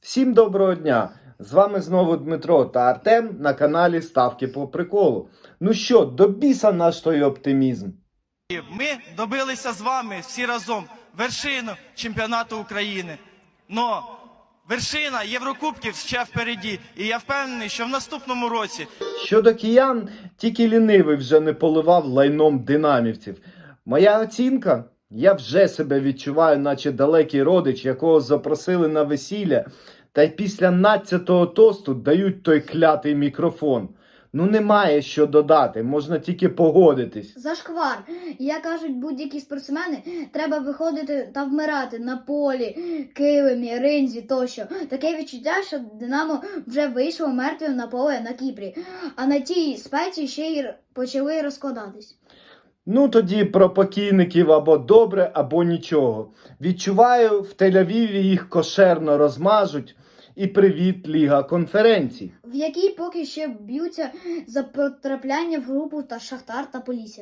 Всім доброго дня! З вами знову Дмитро та Артем на каналі Ставки по приколу. Ну що, до біса наш той оптимізм. Ми добилися з вами всі разом вершину чемпіонату України. Но вершина Єврокубків ще впереді. І я впевнений, що в наступному році... Щодо киян, тільки лінивий вже не поливав лайном динамівців. Моя оцінка? Я вже себе відчуваю, наче далекий родич, якого запросили на весілля, та й після 12-го тосту дають той клятий мікрофон. Ну немає що додати, можна тільки погодитись. Зашквар. Як кажуть будь-які спортсмени, треба виходити та вмирати на полі, килимі, ринзі тощо. Таке відчуття, що Динамо вже вийшло мертвим на поле на Кіпрі, а на тій спеці ще й почали розкладатись. Ну тоді про покійників або добре, або нічого. Відчуваю, в Тель-Авіві їх кошерно розмажуть. І привіт, Ліга конференцій. В якій поки ще б'ються за потрапляння в групу та Шахтар та Полісся.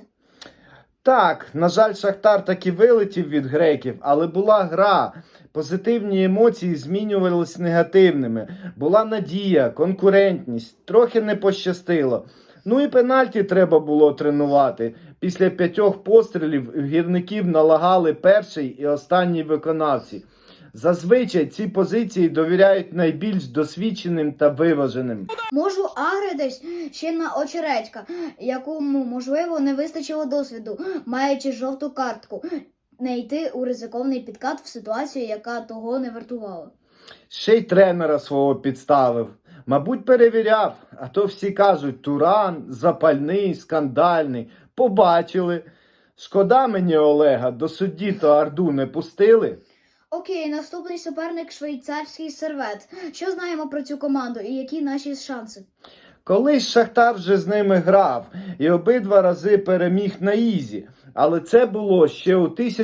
Так, на жаль, Шахтар таки вилетів від греків, але була гра. Позитивні емоції змінювалися негативними. Була надія, конкурентність, трохи не пощастило. Ну і пенальті треба було тренувати. Після 5 пострілів гірників налагали перший і останній виконавці. Зазвичай ці позиції довіряють найбільш досвідченим та виваженим. Можу агритись ще на Очередька, якому, можливо, не вистачило досвіду, маючи жовту картку, не йти у ризиковний підкат в ситуацію, яка того не вартувала. Ще й тренера свого підставив. Мабуть, перевіряв, а то всі кажуть, Туран, запальний, скандальний. Побачили. Шкода мені Олега, до судді то Арду не пустили. Окей, наступний суперник швейцарський Сервет. Що знаємо про цю команду і які наші шанси? Колись Шахтар вже з ними грав і обидва рази переміг на ізі. Але це було ще у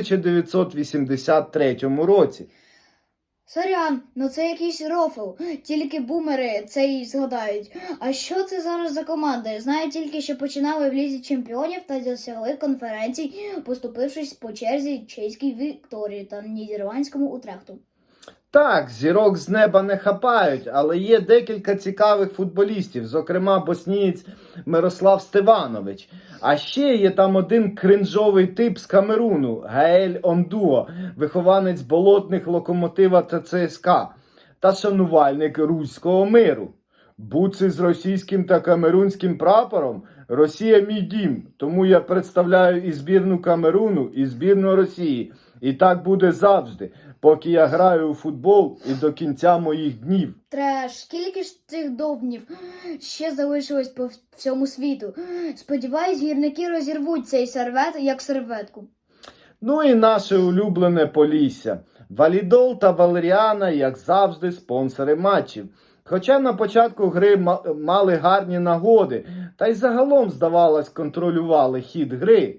1983 році. Сорян, ну це якийсь рофл, тільки бумери це й згадають. А що це зараз за команда? Знаю тільки, що починали в Лізі Чемпіонів та досягли конференцій, поступившись по черзі чеській Вікторії та нідерландському Утрехту. Так, зірок з неба не хапають, але є декілька цікавих футболістів, зокрема боснієць Мирослав Стеванович. А ще є там один кринжовий тип з Камеруну, Гаель Ондуо, вихованець болотних Локомотива та ЦСКА, та шанувальник руського миру. Буци з російським та камерунським прапором? Росія мій дім, тому я представляю і збірну Камеруну, і збірну Росії. І так буде завжди, поки я граю у футбол і до кінця моїх днів. Треш, скільки ж цих довбнів ще залишилось по всьому світу? Сподіваюсь, гірники розірвуть цей сервет як серветку. Ну і наше улюблене Полісся. Валідол та Валеріана, як завжди, спонсори матчів. Хоча на початку гри мали гарні нагоди, та й загалом, здавалось, контролювали хід гри.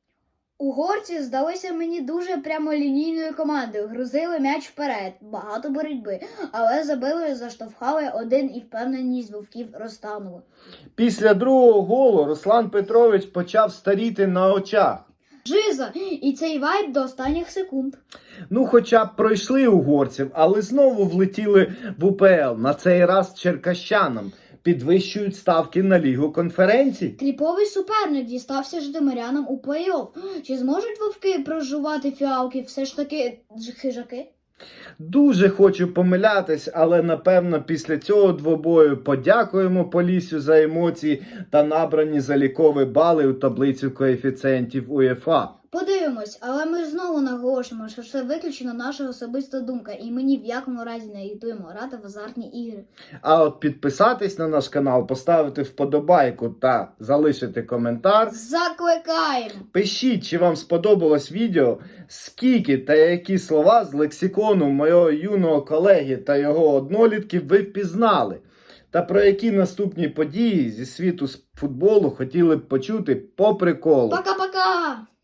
Угорці здалися мені дуже прямолінійною командою, грузили м'яч вперед, багато боротьби, але забили, заштовхали один і впевненість вовків розтанула. Після другого голу Руслан Петрович почав старіти на очах. Жиза! І цей вайб до останніх секунд. Ну, хоча б пройшли угорців, але знову влетіли в УПЛ, на цей раз черкащанам. Підвищують ставки на Лігу конференцій. Кріповий суперник дістався житомирянам у плей-офф. Чи зможуть вовки прожувати фіалки все ж таки хижаки? Дуже хочу помилятись, але напевно після цього двобою подякуємо Поліссю за емоції та набрані залікові бали у таблицю коефіцієнтів УЄФА. Подивимось, але ми ж знову наголошуємо, що це виключно наша особиста думка, і ми ні в якому разі не агітуємо грати в азартні ігри. А от підписатись на наш канал, поставити вподобайку та залишити коментар. Закликаємо! Пишіть, чи вам сподобалось відео, скільки та які слова з лексикону мого юного колеги та його однолітків ви впізнали. Та про які наступні події зі світу футболу хотіли б почути по приколу. Пока-пока!